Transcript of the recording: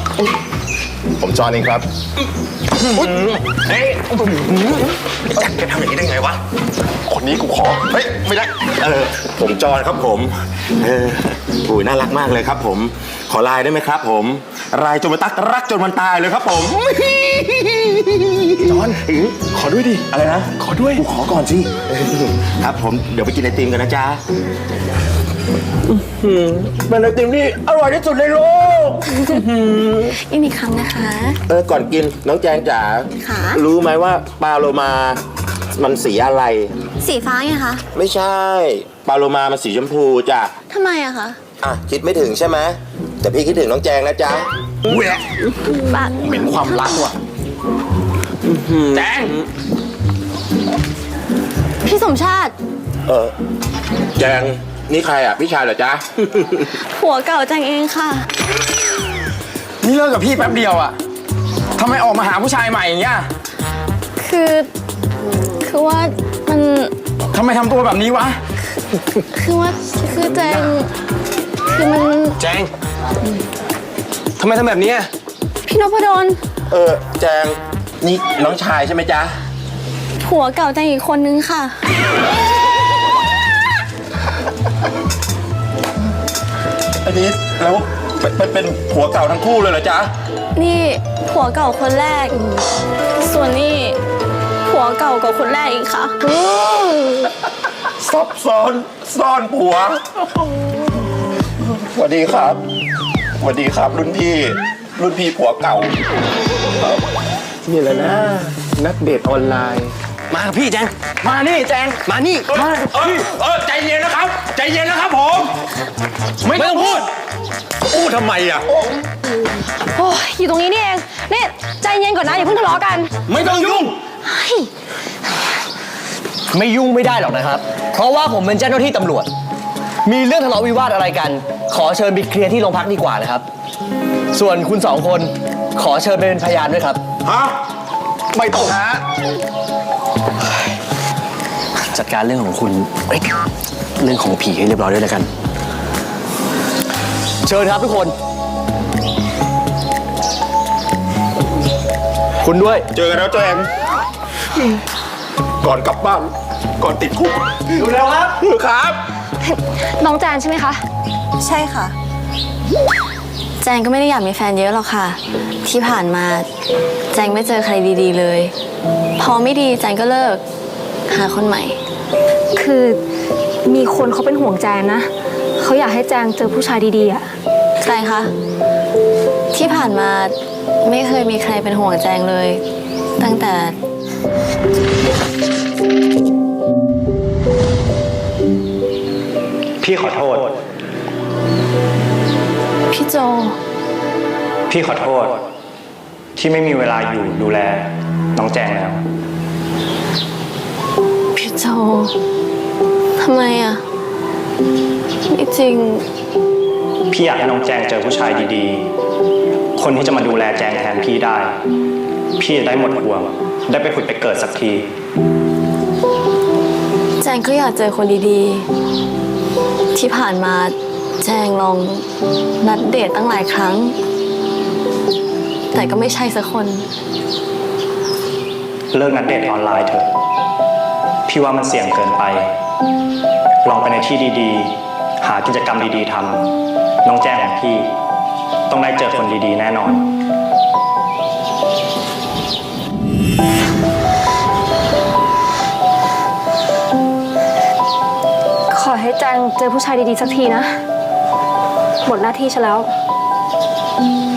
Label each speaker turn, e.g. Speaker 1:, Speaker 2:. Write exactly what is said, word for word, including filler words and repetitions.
Speaker 1: ผมจอห์นเองครับเฮ้ยแจ็คแกทำอย่างนี้ได้ไงวะคนนี้กูขอเฮ้ยไม่ได้เออผมจอห์นครับผมเอออุ้ยน่ารักมากเลยครับผมขอไลน์ได้ไหมครับผมไลน์จนมันตักรักจนมันตายเลยครับผมจอห์นขอด้วยดิอะไรนะขอด้วยกูขอก่อนสิครับผมเดี๋ยวไปกินไอติมกันนะจ๊ะเป็นไอติมที่อร่อยที่สุดในโลก
Speaker 2: อีกอีกครั้งนะคะ
Speaker 1: เออก่อนกินน้องแจงจ๋ารู้ไหมว่าปลาโลมามันสีอะไร
Speaker 2: สีฟ้าไงคะ
Speaker 1: ไม่ใช่ปลาโลมามันสีชมพูจ้ะ
Speaker 2: ทำไมอะคะ
Speaker 1: อ่ะคิดไม่ถึงใช่ไหมแต่พี่คิดถึงน้องแจงนะจ๊ะแหวะเหม็นความรักว่ะแจง
Speaker 2: พี่สมชาติ
Speaker 1: เออแจงนี่ใครอ่ะพี่ชายเหรอจ๊ะ
Speaker 2: ผัวเก่าแจงเองค่ะ
Speaker 3: นี่เลิกกับพี่แป๊บเดียวอ่ะทำไมออกมาหาผู้ชายใหม่อย่างเงี้ย
Speaker 2: คือคือว่ามัน
Speaker 3: ทำไมทำตัวแบบนี้วะ
Speaker 2: คือว่าคือแจงคือมัน
Speaker 3: แจงทำไมทำแบบนี้
Speaker 2: พี่นพดล
Speaker 1: เออแจงนี่น้องชายใช่ไหมจ๊ะ
Speaker 2: ผัวเก่าแจงอีกคนนึงค่ะ
Speaker 1: อันนี้แล้วเป็นเป็นผัวเก่าทั้งคู่เลยเหรอจ๊ะ
Speaker 2: นี่ผัวเก่าคนแรกส่วนนี่ผัวเก่ากับคนแรกอีกค่ะ
Speaker 1: ซับซ้อนซ่อนผัวสวัสดีครับสวัสดีครับรุ่นพี่รุ่นพี่ผัวเก่า
Speaker 3: นี่แหละนะนักเดทออนไลน์มาพี่แจงมานี่แจงมานี่มาพี่
Speaker 1: เออใจเย็นนะครับใจเย็นนะครับผม
Speaker 3: ไม่ต้องพูด
Speaker 1: พูดทำไมอ่ะ
Speaker 2: โอ้ยอยู่ตรงนี้นี่เองนี่ใจเย็นก่อนนะอย่าเพิ่งทะเลาะกัน
Speaker 3: ไม่ต้องยุ่งไม่ยุ่งไม่ได้หรอกนะครับเพราะว่าผมเป็นเจ้าหน้าที่ตำรวจมีเรื่องทะเลาะวิวาทอะไรกันขอเชิญไปเคลียร์ที่โรงพักดีกว่านะครับส่วนคุณสองคนขอเชิญไปเป็นพยานด้วยครับ
Speaker 1: ฮะไม่ต้องฮะ
Speaker 3: จัดการเรื่องของคุณเรื่องของผีให้เรียบร้อยด้วยแล้วกันเชิญครับทุกคนคุณด้วย
Speaker 1: เจอกันแล้วแจงก่อนกลับบ้านก่อนติดคุก
Speaker 3: ดูแล้วครับ
Speaker 1: ครับ
Speaker 2: น้องแจนใช่ไหมคะใช่ค่ะแจงก็ไม่ได้อยากมีแฟนเยอะหรอกค่ะที่ผ่านมาแจงไม่เจอใครดีๆเลยพอไม่ดีแจงก็เลิกหาคนใหม่
Speaker 4: คือมีคนเขาเป็นห่วงแจงนะเขาอยากให้แจงเจอผู้ชายดีๆอ่ะ
Speaker 2: ใครคะที่ผ่านมาไม่เคยมีใครเป็นห่วงแจงเลยตั้งแต่
Speaker 5: พี่ขอโทษ
Speaker 2: พี่โจ
Speaker 5: พี่ขอโทษที่ไม่มีเวลาอยู่ดูแลน้องแจงแล้ว
Speaker 2: พี่โจทำไมอ่ะไม่จริง
Speaker 5: พี่อยากให้น้องแจงเจอผู้ชายดีๆคนที่จะมาดูแลแจงแทนพี่ได้พี่จะได้หมดห่วงได้ไปผุดไปเกิดสักที
Speaker 2: แจงก็อยากเจอคนดีๆที่ผ่านมาแจงลองนัดเดทตั้งหลายครั้งแต่ก็ไม่ใช่สักคน
Speaker 5: เลิกนัดเดทออนไลน์เถอะพี่ว่ามันเสี่ยงเกินไปลองไปในที่ดีๆหากิจกรรมดีๆทำน้องแจงของพี่ต้องได้เจอคนดีๆแน่นอน
Speaker 4: ขอให้แจงเจอผู้ชายดีๆสักทีนะหมดหน้าที่ฉันแล้ว